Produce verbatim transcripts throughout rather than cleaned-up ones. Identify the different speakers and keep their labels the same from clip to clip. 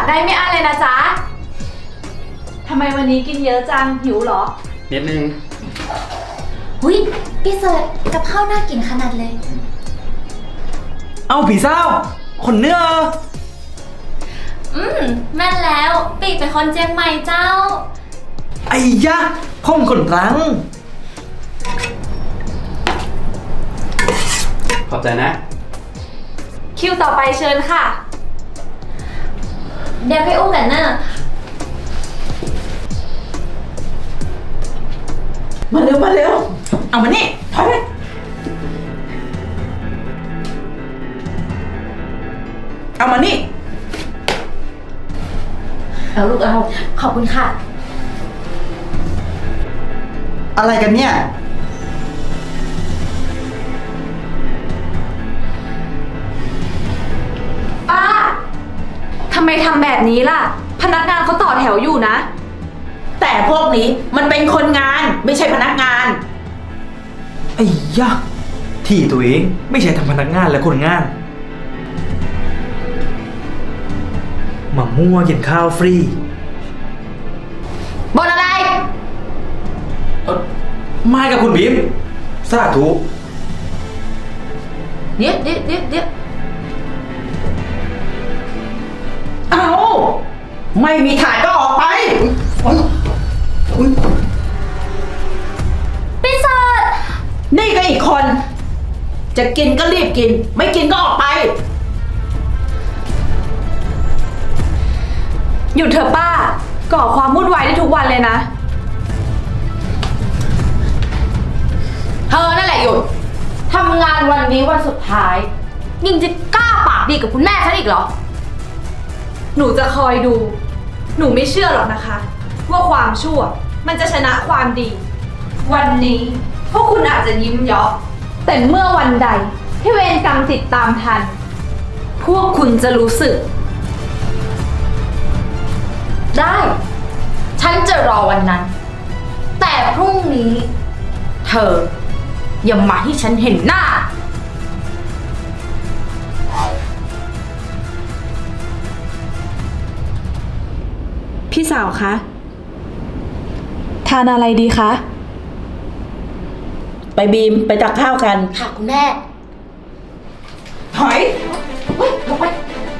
Speaker 1: กได้ไม่อั้นเลยนะจ๊ะทำไมวันนี้กินเยอะจังหิวเหรอ
Speaker 2: นิดนึง
Speaker 3: หุ้ยพี่เสิร์ชกับข้าวน่ากินขนาดเลย
Speaker 4: เอาผีเศร้าคนเนื้อ
Speaker 3: อืมแม่นแล้วปีเป็นคนเจียงใหม่เจ้า
Speaker 4: ไอ้ยะพ่อมคนรัง
Speaker 2: ขอบใจนะ
Speaker 1: คิวต่อไปเชิญค่ะ
Speaker 3: เดี๋ยวไปอุ้มกันเนอะ
Speaker 4: มาเร็วมาเร็วเอามานี่ถอยไปเอามานี่เอาลูกเอา
Speaker 3: ขอบคุณค่ะ
Speaker 4: อะไรกันเนี่ย
Speaker 1: ป้าทำไมทำแบบนี้ล่ะพนักงานเขาต่อแถวอยู่นะ
Speaker 5: แต่พวกนี้มันเป็นคนงานไม่ใช่พนักงาน
Speaker 4: ไอ้ยะที่ตัวเองไม่ใช่ทำพนักงานและคนงานมามั่วกินข้าวฟรี
Speaker 5: บนอะไร
Speaker 4: เอ่อไม่กับคุณบีมสาธุ
Speaker 5: เดี๋ยวเดี๋ยวเดี๋ยวเดี๋ยวเอาไม่มีถ่ายก็ออกไป
Speaker 3: พี่เสิร์ช
Speaker 5: นี่ก็อีกคนจะกินก็รีบกินไม่กินก็ออกไป
Speaker 1: หยุดเถอะป้าก่อความวุ่นวายได้ทุกวันเลยนะ
Speaker 5: เธอนั่นแหละหยุดทำงานวันนี้วันสุดท้ายยิ่งจะกล้าปากดีกับคุณแม่ฉันอีกเหรอ
Speaker 1: หนูจะคอยดูหนูไม่เชื่อหรอกนะคะว่าความชั่วมันจะชนะความดีวันนี้พวกคุณอาจจะยิ้มเยาะแต่เมื่อวันใดที่เวรกรรมติดตามทันพวกคุณจะรู้สึก
Speaker 5: ได้ฉันจะรอวันนั้นแต่พรุ่งนี้เธออย่ามาให้ฉันเห็นหน้า
Speaker 1: พี่สาวคะทานอะไรดีคะ
Speaker 5: ไปบีมไปตักข้าวกัน
Speaker 3: ค่ะคุณแม่
Speaker 5: ถอยเฮ้ยลงไป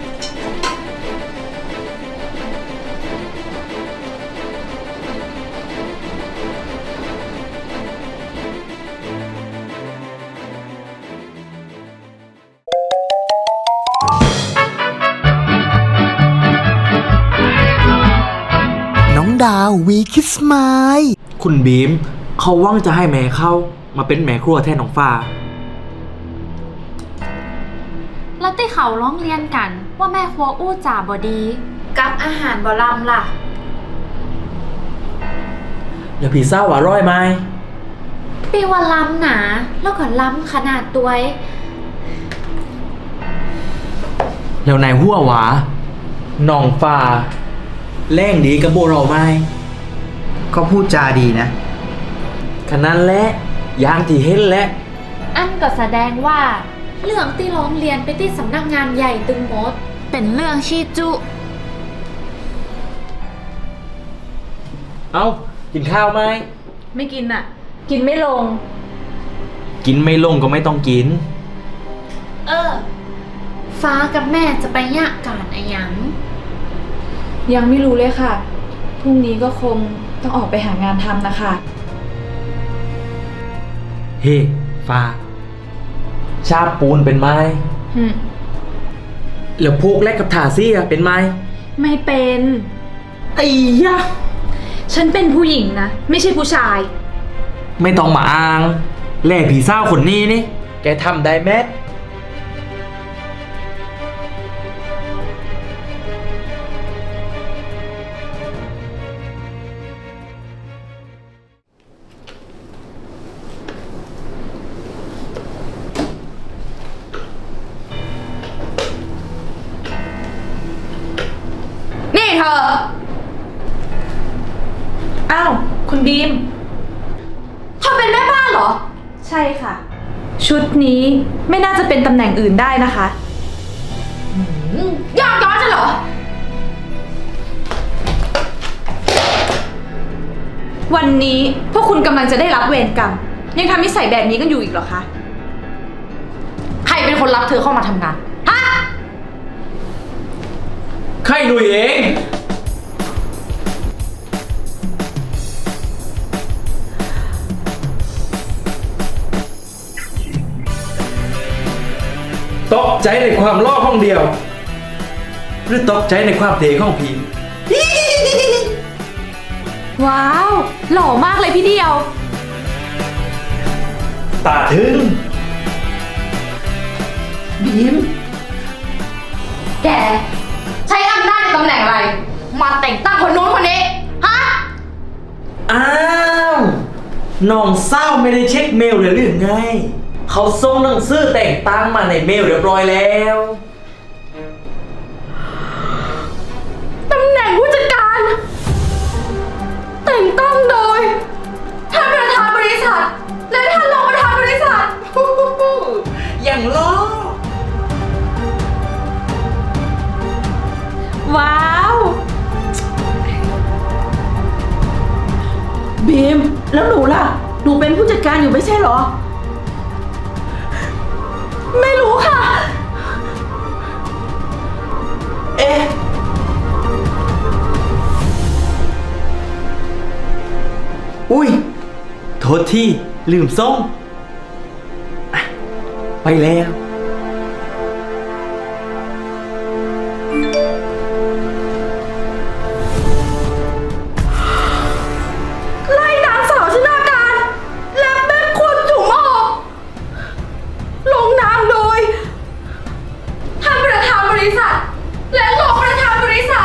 Speaker 6: ดาววีคิสไมล์
Speaker 4: คุณบีมเขาว่างจะให้แม่เข้ามาเป็นแม่ครัวแทนน้องฟ้า
Speaker 3: แล้วที่เขาร้องเรียนกันว่าแม่ครัวอู้จ่าบอดีกับอาหารบอลำล่ะ
Speaker 4: อย่าผีเศร้าว่าร้อยไหม
Speaker 3: ปีว่าล้ำหนาแล้วก็ล้ำขนาดตัว
Speaker 4: แล้วนายหัวหวาน้องฟ้าแรงดีกับโบเราไหม
Speaker 7: ก็พูดจาดีนะ
Speaker 4: ขนาดแหละยางที่เห็นและ
Speaker 3: อันก็แสดงว่าเรื่องที่ร้องเรียนไปที่สำนักงานใหญ่ตึงมดเป็นเรื่องชีจุ
Speaker 4: เอากินข้าวไหม
Speaker 1: ไม่กินอ่ะกินไม่ลง
Speaker 4: กินไม่ลงก็ไม่ต้องกิน
Speaker 3: เออฟ้ากับแม่จะไปยะการอะไรยัง
Speaker 1: ยังไม่รู้เลยค่ะพรุ่งนี้ก็คงต้องออกไปหางานทำนะคะ
Speaker 4: เฮ้ฟ้าชาปูนเป็นไหมแล้วพวกแลกกับถาซี่อะเป็นไหม
Speaker 1: ไม่เป็น
Speaker 4: ไอ้ยะ
Speaker 1: ฉันเป็นผู้หญิงนะไม่ใช่ผู้ชาย
Speaker 4: ไม่ต้องมาอ้างแล่ผีเศร้าคนนี้นี่แกทำได้แม
Speaker 5: นี่เธอ
Speaker 1: อ้าวคุณบีม
Speaker 5: เธอเป็นแม่บ้านเหรอ
Speaker 1: ใช่ค่ะชุดนี้ไม่น่าจะเป็นตำแหน่งอื่นได้นะคะ
Speaker 5: ยากย้อนฉันเหรอ
Speaker 1: วันนี้พวกคุณกำลังจะได้รับเวรกรรม ยังทำนิสัยแบบนี้กันอยู่อีกเหรอคะ
Speaker 5: ใครเป็นคนรับเธอเข้ามาทำงาน ฮะ
Speaker 4: ใครหนุ่ยเอง ตกใจในความล่อห้องเดียว หรือตกใจในความเทของผี
Speaker 1: ว้าว หล่อมากเลยพี่เดียว
Speaker 4: ตาถึง
Speaker 5: บีม แก ใช้อำนาจในตำแหน่งอะไร มาแต่งตั้งคนนู้นคนนี้ ฮะ
Speaker 4: อ้าวน้องเศร้าไม่ได้เช็คเมลเลยหรือไง เขาส่งหนังสือแต่งตั้งมาในเมลเรียบร้อยแล้ว
Speaker 5: ตำแหน่งผู้จัดการ แต่งตั้งโดยท่านประธานบริษัท และท่านรองประธานบริษัท
Speaker 4: อย่างล้อ
Speaker 1: ว้าว
Speaker 2: บีม แล้วหนูล่ะ หนูเป็นผู้จัดการอยู่ไม่ใช่เหรอ
Speaker 1: ไม่รู้ค่ะ
Speaker 4: เอ๊ะ อุ้ย โทษที่ลืมส่งอ่ะไปแล้ว
Speaker 1: ไล่นางสาวชนาการ และแม่คนจุ๋มออกลงนามโดยท่านประธานบริษัท และรองประธานบริษัท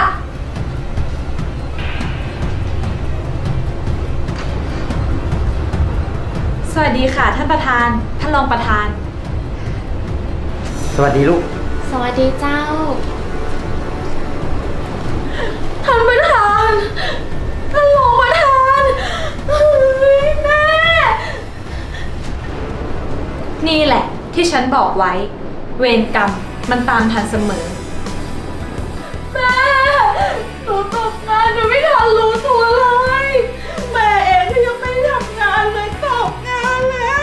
Speaker 1: สวัสดีค่ะท่านประธาน ท่านรองประธาน
Speaker 7: สวัสดีลูก
Speaker 3: สวัสดีเจ้า
Speaker 1: ท่านประธาน ท่านรองประธานเฮ้ยแม่ นี่แหละที่ฉันบอกไว้ เวรกรรมมันตามทันเสมอ แม่ หนูตกงานหนูไม่ทันรู้ตัวเลย แม่เองที่ยังไม่ทำงานเลยตกงานแล้ว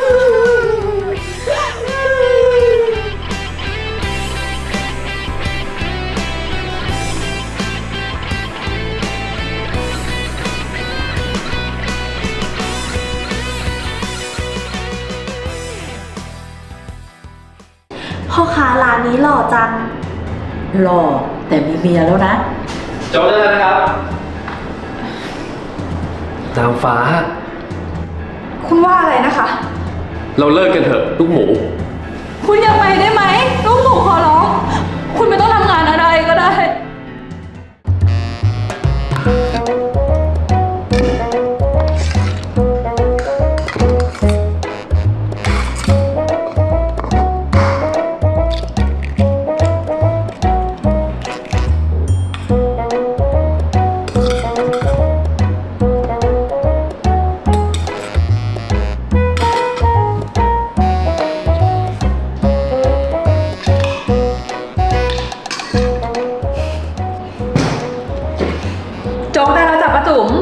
Speaker 2: พ่อค้าร้านนี้หล่อจัง หล่อแต่มีเมียแล้วนะ
Speaker 8: จบได้แล้วนะครับ
Speaker 4: นางฟ้า
Speaker 1: คุณว่าอะไรนะคะ
Speaker 8: เราเลิกกันเถอะลูกหมู
Speaker 1: คุณอย่าไปได้ไหมลูกหมูขอร้อง คุณไม่ต้องทำงานอะไรก็ได้ โจ๊กได้แล้วจ้ะป้าจุ๋ม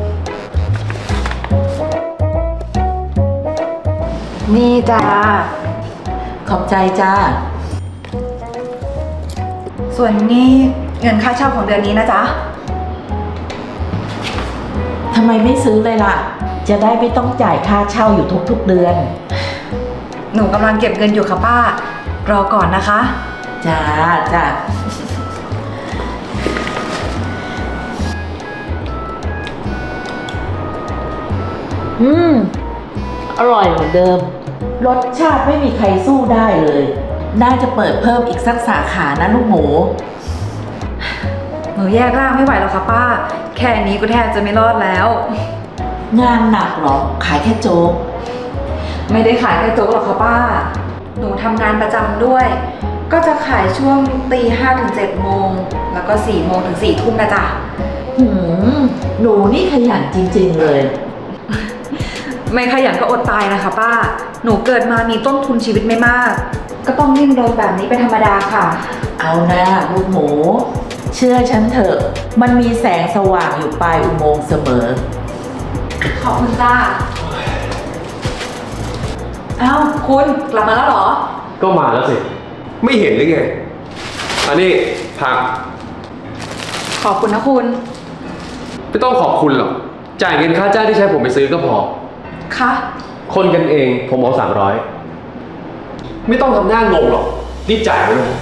Speaker 2: นี่จ้า ขอบใจจ้า
Speaker 9: ส่วนนี้เงินค่าเช่าของเดือนนี้นะจ๊ะ
Speaker 2: ทำไมไม่ซื้อเลยล่ะ จะได้ไม่ต้องจ่ายค่าเช่าอยู่ทุกๆเดือน
Speaker 9: หนูกำลังเก็บเงินอยู่ค่ะป้า รอก่อนนะคะ
Speaker 2: จ้าจ้า อืม อร่อยเหมือนเดิม รสชาติไม่มีใครสู้ได้เลย น่าจะเปิดเพิ่มอีกสักสาขานะลูกหมู
Speaker 9: หนูแยกร่างไม่ไหวแล้วค่ะป้า แค่นี้ก็แทบจะไม่รอดแล้ว
Speaker 2: งานหนักเหรอ ขายแค่โจ๊ก
Speaker 9: ไม่ได้ขายแค่โจ๊กหรอกค่ะป้า หนูทำงานประจำด้วย ก็จะขายช่วงตีห้าถึงเจ็ดโมง แล้วก็สี่โมงถึงสี่ทุ่มนะจ๊ะ
Speaker 2: หืม หนูนี่ขยันจริงๆเลย
Speaker 9: ไม่ขยันก็อดตายนะคะป้า หนูเกิดมามีต้นทุนชีวิตไม่มาก ก็ต้องดิ้นรนแบบนี้เป็นธรรมดาค่ะ
Speaker 2: เอานะลูกหมู เชื่อฉันเถอะ มันมีแสงสว่างอยู่ปลายอุโมงค์เสมอ
Speaker 9: ขอบคุณจ้าเอ้าคุณกลับมาแล้วเหรอ
Speaker 8: ก็มาแล้วสิ ไม่เห็นหรือไง อันนี้ผัก
Speaker 9: ขอบคุณนะคุณ
Speaker 8: ไม่ต้องขอบคุณหรอก จ่ายเงินค่าจ้างที่ใช้ผมไปซื้อก็พอ
Speaker 9: คะ
Speaker 8: คนกันเองผมเอาสามร้อยไม่ต้องทำหน้างงหรอกรีบจ่ายไปเลย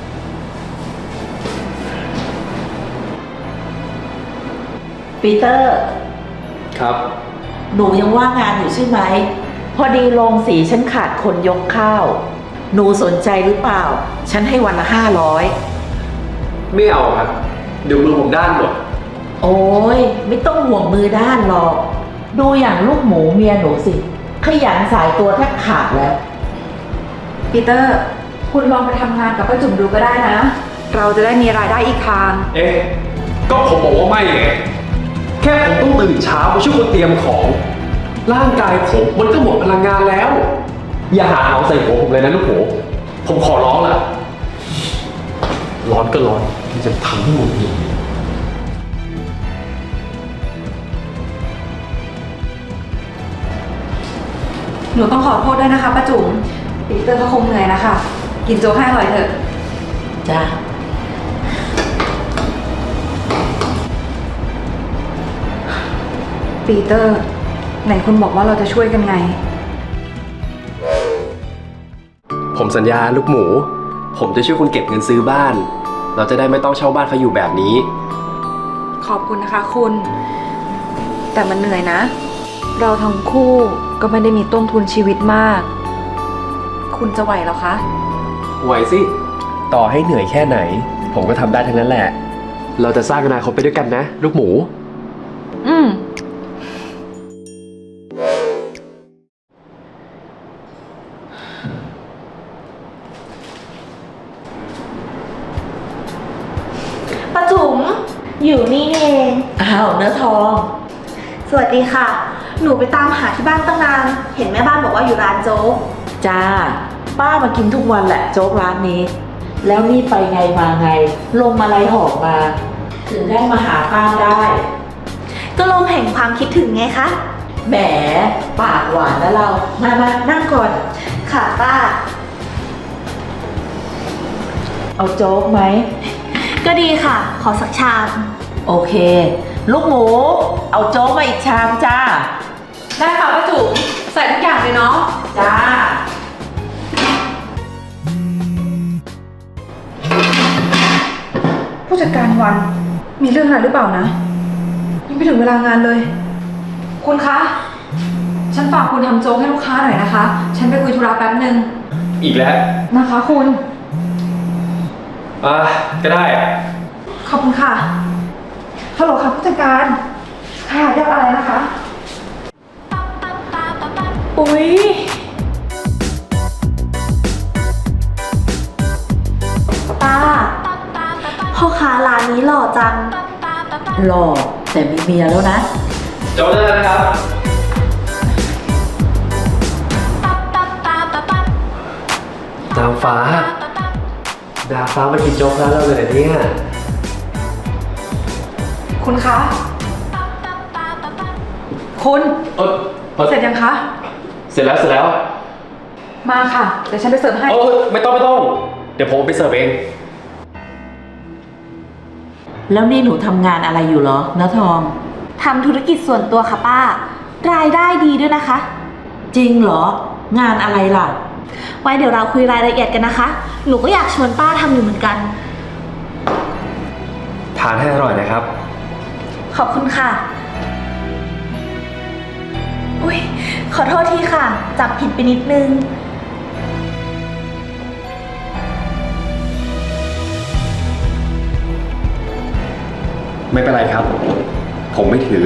Speaker 2: ปีเตอร์
Speaker 8: ครับ
Speaker 2: หนูยังว่างงานอยู่ใช่ไหม พอดีโรงสีฉันขาดคนยกข้าว หนูสนใจหรือเปล่า ฉันให้วันละห้าร้อย
Speaker 8: ไม่เอาครับ เดี๋ยวมือผมด้านหมด
Speaker 2: โอ้ยไม่ต้องห่วงมือด้านหรอก ดูอย่างลูกหมูเมียหนูสิ ขยันสายตัวแทบขาดแล้ว
Speaker 9: ปีเตอร์ คุณลองไปทำงานกับป้าจุ๋มดูก็ได้นะ เราจะได้มีรายได้อีกทาง
Speaker 8: เอ๊ะ ก็ผมบอกว่าไม่ไง แค่ผมต้องตื่นเช้าไปช่วยคนเตรียมของ ร่างกายผมมันก็หมดพลังงานแล้ว อย่าหาเอาใส่หัวผมเลยนะลูกหมูผมขอร้องล่ะ ร้อนก็ร้อนที่จะทำให้หมดเลย
Speaker 9: หนูต้องขอโทษด้วยนะคะป้าจุ๋มปีเตอร์ก็คงเหนื่อยนะคะ กินโจ๊กให้อร่อยเถอะ
Speaker 2: จ้า
Speaker 9: ปีเตอร์ ไหนคุณบอกว่าเราจะช่วยกันไง
Speaker 8: ผมสัญญาลูกหมู ผมจะช่วยคุณเก็บเงินซื้อบ้าน เราจะได้ไม่ต้องเช่าบ้านเขาอยู่แบบนี้
Speaker 9: ขอบคุณนะคะคุณ แต่มันเหนื่อยนะ เราทั้งคู่ก็ไม่ได้มีต้นทุนชีวิตมาก คุณจะไหวเหรอคะ
Speaker 8: ไหวสิ ต่อให้เหนื่อยแค่ไหน ผมก็ทำได้ทั้งนั้นแหละ เราจะสร้างอนาคตไปด้วยกันนะ ลูกหมู
Speaker 9: อืม
Speaker 1: ป้าจุ๋มอยู่นี่เอง
Speaker 2: อ้าวเนื้อทอง
Speaker 1: สวัสดีค่ะ หนูไปตามหาที่บ้านตั้งนาน เห็นแม่บ้านบอกว่าอยู่ร้านโจ๊ก
Speaker 2: จ้า ป้ามากินทุกวันแหละโจ๊กร้านนี้ แล้วนี่ไปไงมาไง ลงมาไรหอบมา ถึงได้มาหาป้าได้
Speaker 1: ก็ลมแห่งความคิดถึงไงคะ
Speaker 2: แหม ปากหวานนะเรา มามานั่งก่อน
Speaker 1: ค่ะป้า
Speaker 2: เอาโจ๊กไหม
Speaker 1: ก็ดีค่ะ ขอสักชาม
Speaker 2: โอเค ลูกหมู เอาโจ๊กมาอีกชามจ้า
Speaker 9: ได้ค่ะป้าจุ๋มใส่ทุกอย่างเลยเนาะ
Speaker 2: จ้า
Speaker 9: ผู้จัดการวัน มีเรื่องอะไรหรือเปล่านะ ยังไม่ถึงเวลางานเลย คุณคะ ฉันฝากคุณทำโจ๊กให้ลูกค้าหน่อยนะคะ ฉันไปคุยธุระแป๊บหนึ่ง
Speaker 8: อีกแล้ว
Speaker 9: นะคะคุณ
Speaker 8: อ่ะ ก็ได้
Speaker 9: ขอบคุณค่ะ ฮัลโหลค่ะผู้จัดการ ค่ะเรียกอะไรนะคะ
Speaker 1: อุ๊ย ป้า พ่อค้าร้านนี้หล่อจัง
Speaker 2: หล่อแต่มีเมียแล้วนะ
Speaker 8: โจ๊กได้แล้วนะครับ ดาวฟ้า ดาวฟ้ามากินโจ๊กร้านเราเลยเหรอเนี่ย
Speaker 9: คุณคะ คุณ
Speaker 8: เออเออ
Speaker 9: เสร็จยังคะ
Speaker 8: เสร็จแล้วเสร็จแล้ว
Speaker 9: มาค่ะ เดี๋ยวฉันไปเสิร์ฟให้
Speaker 8: เออไม่ต้องไม่ต้อง เดี๋ยวผมไปเสิร์ฟเอง
Speaker 2: แล้วนี่หนูทำงานอะไรอยู่เหรอเนื้อทอง
Speaker 1: ทำธุรกิจส่วนตัวค่ะป้า รายได้ดีด้วยนะคะ
Speaker 2: จริงเหรอ งานอะไรล่ะ
Speaker 1: ไว้เดี๋ยวเราคุยรายละเอียดกันนะคะ หนูก็อยากชวนป้าทำอยู่เหมือนกัน
Speaker 8: ทานให้อร่อยนะครับ
Speaker 1: ขอบคุณค่ะ อุ้ยขอโทษทีค่ะ จับผิดไปนิดนึง
Speaker 8: ไม่เป็นไรครับ ผมไม่ถือ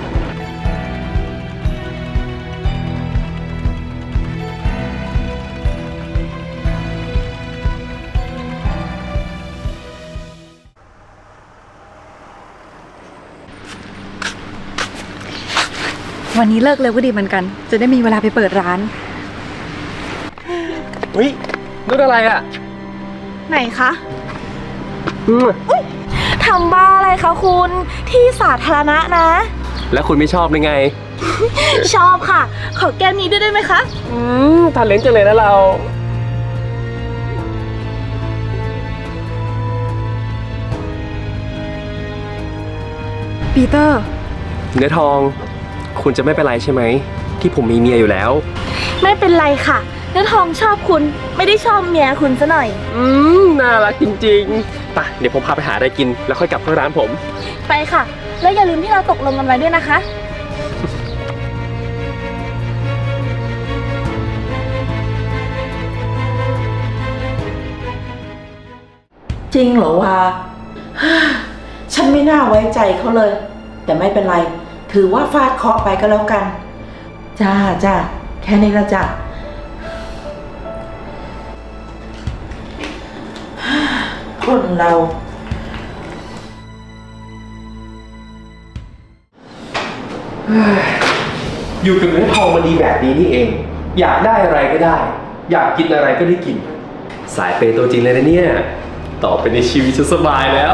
Speaker 9: วันนี้เลิกเลยก็ดีเหมือนกัน จะได้มีเวลาไปเปิดร้าน
Speaker 8: เฮ้ยนู่นอะไรอ่ะ
Speaker 1: ไหนคะ
Speaker 8: อืม
Speaker 1: ทำบ้าอะไรคะคุณ ที่สาธารณะนะ
Speaker 8: แล้วคุณไม่ชอบได้ไง
Speaker 5: ชอบค่ะ ขอแก้มนี้ด้วยได้ไหมคะ
Speaker 8: อืมทานเลนจังเลยนะเรา
Speaker 9: ปีเตอร์
Speaker 8: เนื้อทอง คุณจะไม่เป็นไรใช่ไหม ที่ผมมีเมียอยู่แล้ว
Speaker 5: ไม่เป็นไรค่ะเนื้อทองชอบคุณไม่ได้ชอบเมียคุณซะหน่อย
Speaker 8: อืม น่ารักจริงๆไปเดี๋ยวผมพาไปหาอะไรกิน แล้วค่อยกลับเข้าร้านผม
Speaker 5: ไปค่ะ แล้วอย่าลืมที่เราตกลงกันไว้ด้วยนะคะ
Speaker 2: จริงเหรอวะ ฉันไม่น่าไว้ใจเขาเลย แต่ไม่เป็นไร ถือว่าฟาดเคราะห์ไปก็แล้วกัน จ้าจ้าแค่นี้ละจ้ะ คนเรา
Speaker 8: อยู่กับเนื้อทองมันดีแบบนี้นี่เอง อยากได้อะไรก็ได้ อยากกินอะไรก็ได้กิน สายเปย์ตัวจริงเลยนะเนี่ย ต่อไปในชีวิตฉันสบายแล้ว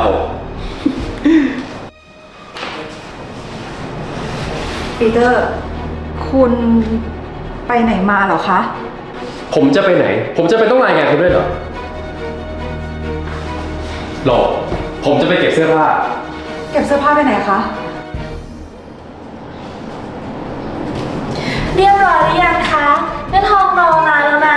Speaker 9: ปีเตอร์ คุณไปไหนมาเหรอคะ
Speaker 8: ผมจะไปไหน ผมจะไปต้องรายงานคุณด้วยเหรอหรอผมจะไปเก็บเสื้อผ้า
Speaker 9: เก็บเสื้อผ้าไปไหนคะ
Speaker 5: เรียบร้อยหรือยังคะเนื้อทองรอนานแล้วนะ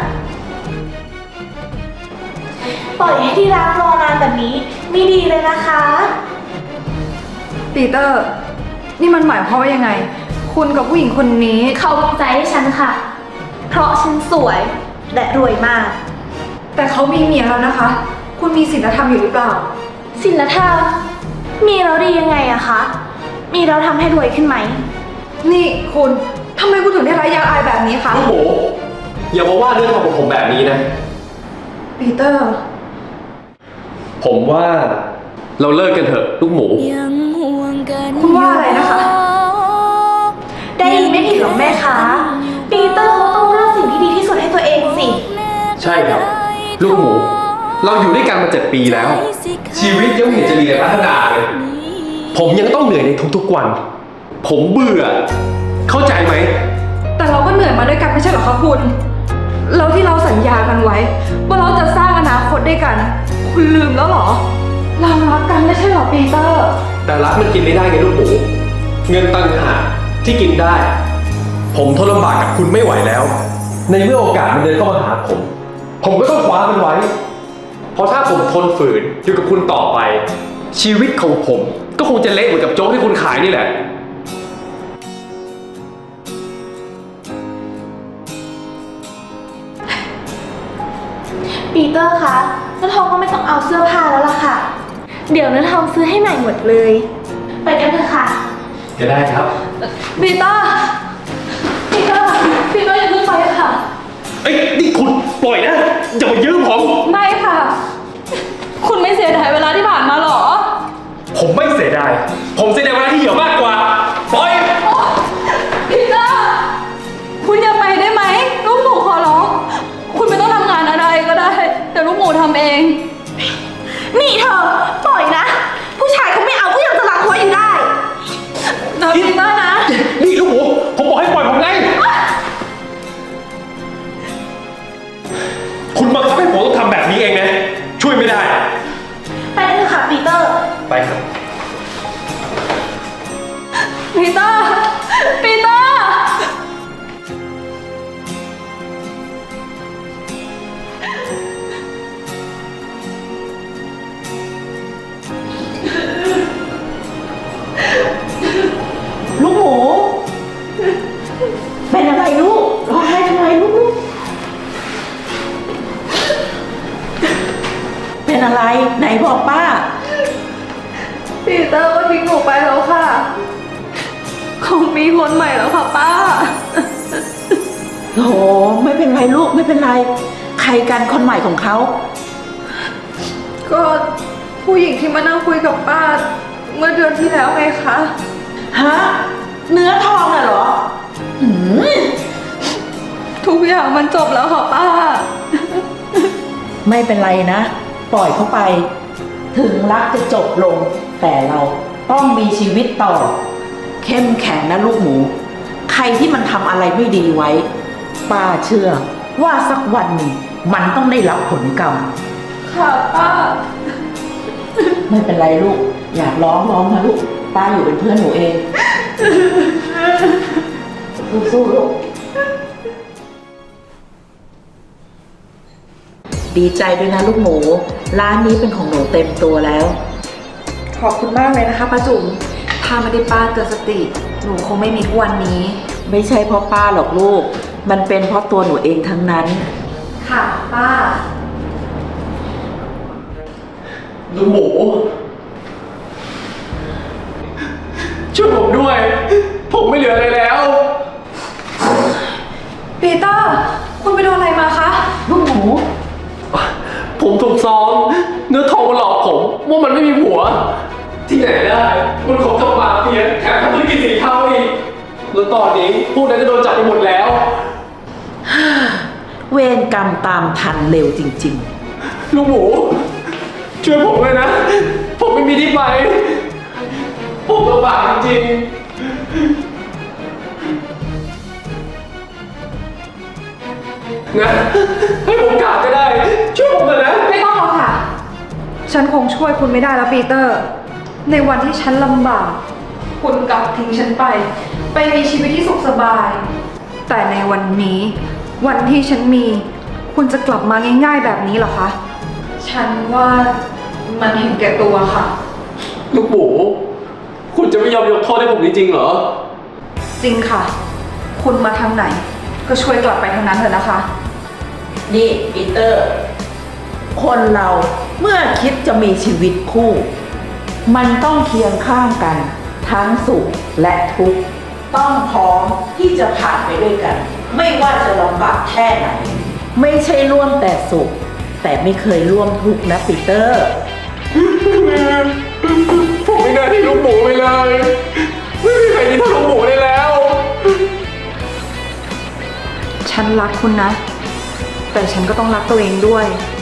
Speaker 5: ปล่อยให้ที่รักรอนานแบบนี้ไม่ดีเลยนะคะ
Speaker 9: ปีเตอร์ นี่มันหมายความว่ายังไง คุณกับผู้หญิงคนนี้
Speaker 5: เขาวางใจให้ฉันค่ะ เพราะฉันสวยและรวยมาก
Speaker 9: แต่เขามีเมียแล้วนะคะ คุณมีศีลธรรมอยู่หรือเปล่า
Speaker 5: ศีลธรรมมีแล้วดียังไงอะคะ มีแล้วทำให้รวยขึ้นไหม
Speaker 9: นี่คุณทำไมคุณถึงได้ร้ายยางอายแบบนี้คะ
Speaker 8: ลูกหมูอย่ามาว่าเรื่องของผมแบบนี้นะ
Speaker 9: ปีเตอร์
Speaker 8: ผมว่าเราเลิกกันเถอะลูกหมู
Speaker 9: คุณว่าอะไรนะคะ
Speaker 5: ได้ยินไม่ผิดหรอกแม่คะปีเตอร์เขาต้องเลือกสิ่งที่ดีที่สุดให้ตัวเองสิ
Speaker 8: ใช่ครับ ลูกหมู เราอยู่ด้วยกันมาเจ็ดปีแล้ว ชีวิตยังไม่เห็นจะมีอะไรพัฒนาเลย ผมยังต้องเหนื่อยในทุกๆวัน ผมเบื่อ เข้าใจไหม
Speaker 9: แต่เราก็เหนื่อยมาด้วยกันไม่ใช่เหรอคะคุณ แล้วที่เราสัญญากันไว้ ว่าเราจะสร้างอนาคตด้วยกัน คุณลืมแล้วเหรอ เรารักกันไม่ใช่เหรอปีเตอร์
Speaker 8: แต่รักมันกินไม่ได้ไงลูกหมู เงินตังหากที่กินได้ ผมทนลำบากกับคุณไม่ไหวแล้ว ในเมื่อโอกาสมันเดินเข้ามาหาผม ผมก็ต้องคว้ามันไว้ เพราะถ้าผมทนฝืนอยู่กับคุณต่อไป ชีวิตของผมก็คงจะเละเหมือนกับโจ๊กที่คุณขายนี่แหละ
Speaker 5: ปีเตอร์คะเนื้อทองก็ไม่ต้องเอาเสื้อผ้าแล้วล่ะค่ะ เดี๋ยวเนื้อทองซื้อให้ใหม่หมดเลย ไปกันเถอะค่ะ
Speaker 8: ก็ได้ครับ
Speaker 9: ปีเตอร์ ปีเตอร์ ปีเตอร์อย่าเพิ่งไปค่ะ
Speaker 8: เอ้ยนี่คุณปล่อยนะอย่ามายืมผม
Speaker 9: ไม่ค่ะ คุณไม่เสียดายเวลาที่ผ่านมาหรอ
Speaker 8: ผมไม่เสียดาย ผมเสียดายเวลาที่เหยื่อมากกว่า ปล่อย
Speaker 9: ปีเตอร์ คุณอย่าไปได้ไหม ลูกหมูขอร้อง คุณไม่ต้องทำงานอะไรก็ได้ แต่ลูกหมูทำเอง
Speaker 5: นี่เธอ ปล่อยนะ ผู้ชายเขาไม่เอาก็ยังจะรักไว้อยู่ได้
Speaker 9: นะปีเตอร์นะ
Speaker 8: นี่ลูกหมูผมบอกให้ปล่อยผมไง คุณบังคับให้ผมต้องทำแบบนี้เองนะ ช่วยไม่ได้
Speaker 5: ไปกันเถอะค่ะปีเตอร์
Speaker 8: ไปครับ
Speaker 9: ปีเตอร์ ปีเตอร์
Speaker 2: ลูกหมู เป็นอะไรลูกร้องไห้ทำไมลูกเป็นอะไรไหนบอกป้า
Speaker 9: ปีเตอร์ก็ทิ้งหนูไปแล้วค่ะคงมีคนใหม่แล้วค่ะป้า
Speaker 2: โหไม่เป็นไรลูกไม่เป็นไร ใครกันคนใหม่ของเขา
Speaker 9: ก็ผู้หญิงที่มานั่งคุยกับป้า เมื่อเดือนที่แล้วไงคะ
Speaker 2: ฮะ เนื้อทองน่ะเหรอหืม
Speaker 9: ทุกอย่างมันจบแล้วค่ะป้า
Speaker 2: ไม่เป็นไรนะ ปล่อยเขาไป ถึงรักจะจบลง แต่เราต้องมีชีวิตต่อ แเข้มแข็งนะลูกหมู ใครที่มันทำอะไรไม่ดีไว้ ป้าเชื่อว่าสักวันหนึ่งมันต้องได้รับผลกรรม
Speaker 9: ค่ะป้า
Speaker 2: ไม่เป็นไรลูก อยากร้องร้องนะลูก ป้าอยู่เป็นเพื่อนหนูเอง สู้ๆลูก ดีใจด้วยนะลูกหมู ร้านนี้เป็นของหนูเต็มตัวแล้ว
Speaker 9: ขอบคุณมากเลยนะคะป้าจุ๋มถ้าไม่ได้ป้าเตือนสติ หนูคงไม่มีทุกวันนี้
Speaker 2: ไม่ใช่เพราะป้าหรอกลูก มันเป็นเพราะตัวหนูเองทั้งนั้น
Speaker 9: ค่ะป้า
Speaker 8: ลูกหมู ช่วยผมด้วย ผมไม่เหลืออะไรแล้ว
Speaker 9: ปีเตอร์ คุณไปโดนอะไรมาคะ
Speaker 2: ลูกหมู
Speaker 8: ผมถูกซ้อมเนื้อทองมาหลอกผมว่ามันไม่มีผัว ที่ไหนได้ มันของกับมาเฟียแถมทำธุรกิจสีเทาอีกแล้วตอนนี้พวกนั้นจะโดนจับไปหมดแล้ว
Speaker 2: เวรกรรมตามทันเร็วจริง
Speaker 8: ลูกหมู ช่วยผมเลยนะ ผมไม่มีที่ไป ผมลำบากจริงๆนะให้ผมกราบก็ได้ ช่วยผมเลยนะ
Speaker 9: ไม่ต้องหรอกค่ะ ฉันคงช่วยคุณไม่ได้แล้วปีเตอร์ ในวันที่ฉันลำบาก คุณกลับทิ้งฉันไป ไปมีชีวิตที่สุขสบาย แต่ในวันนี้ วันที่ฉันมี คุณจะกลับมาง่ายๆแบบนี้เหรอคะ ฉันว่ามันเห็นแก่ตัวค่ะ
Speaker 8: ลูกหมู คุณจะไม่ยอมยกโทษให้ผมจริงๆเหรอ
Speaker 9: จริงค่ะ คุณมาทางไหน ก็ช่วยกลับไปทางนั้นเถอะนะคะ
Speaker 2: ๆ นี่ปีเตอร์ คนเราเมื่อคิดจะมีชีวิตคู่ มันต้องเคียงข้างกัน ทั้งสุขและทุกข์ ต้องพร้อมที่จะผ่านไปด้วยกัน ไม่ว่าจะลำบากแค่ไหน ไม่ใช่ร่วมแต่สุข แต่ไม่เคยร่วมทุกข์นะปีเตอร์
Speaker 8: ผมไม่น่าที่ลูกหมูไปเลย ไม่มีใครที่เท่าลูกหมูได้แล้ว
Speaker 9: ฉันรักคุณนะ แต่ฉันก็ต้องรักตัวเองด้วย